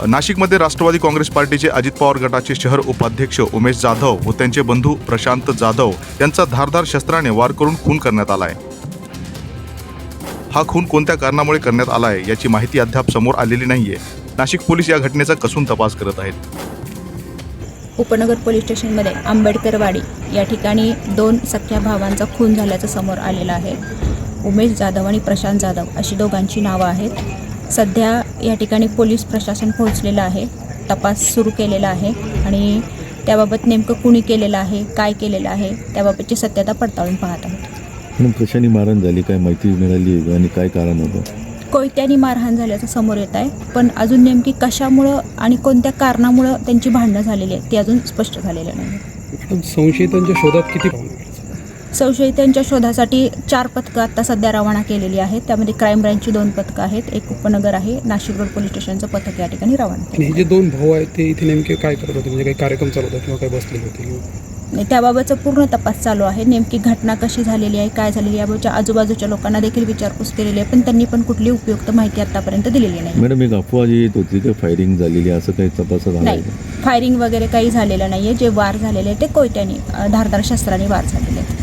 नाशिकमध्ये राष्ट्रवादी काँग्रेस पार्टीचे अजित पवार गटाचे शहर उपाध्यक्ष उमेश जाधव व त्यांचे बंधू प्रशांत जाधव यांचा धारदार शस्त्राने वार करून खून करण्यात आलाय। हा खून कोणत्या कारणामुळे करण्यात आलाय याची माहिती अद्याप समोर आलेली नाहीये। नाशिक पोलीस या घटनेचा कसून तपास करत आहेत। उपनगर पोलीस स्टेशनमध्ये आंबेडकरवाडी या ठिकाणी 2 सख्ख्या भावांचा खून झाल्याचं समोर आलेलं आहे। उमेश जाधव आणि प्रशांत जाधव अशी दोघांची नावं आहेत। सध्या या ठिकाणी पोलीस प्रशासन पोहोचलेलं आहे, तपास सुरू केलेला आहे आणि त्याबाबत नेमकं कुणी केलेलं आहे, काय केलेलं आहे त्याबाबतची सत्यता पडताळून पाहत आहोत। कशाने मारहाण झाली, काय माहिती मिळाली आणि काय कारण होतं? कोयत्यानी मारहाण झाल्याचं समोर येत आहे, पण अजून नेमकी कशामुळं आणि कोणत्या कारणामुळं त्यांची भांडणं झालेली आहेत ते अजून स्पष्ट झालेलं नाही। संशयितांच्या शोधात किती संशयितांच्या शोधासाठी 4 पथकं आता सध्या रवाना केलेली आहेत। त्यामध्ये क्राईम ब्रँचची 2 पथकं आहेत, एक उपनगर आहे, नाशिक रोड पोलीस स्टेशनचं पथक या ठिकाणी रवाना आणि हे जे 2 भाऊ आहेत ते इथे नेमके काय करत होते, म्हणजे काही कार्यक्रम चालू होता किंवा काही बसलेले होते? त्याबाबतचा पूर्ण तपास चालू आहे। नेमकी घटना कशी झालेली आहे, काय झालेली याबाबतच्या आजूबाजूच्या लोकांना देखील विचारपूस केलेली आहे, पण त्यांनी पण कुठली उपयुक्त माहिती आतापर्यंत दिलेली नाही। मॅडम, एक अफवा जी येत होती की फायरिंग झालेली, असं काही तपासात आलं नाही, फायरिंग वगैरे काही झालेलं नाहीये। जे वार झालेले ते कोयत्यानी धारदार शस्त्राने वार झालेले आहेत।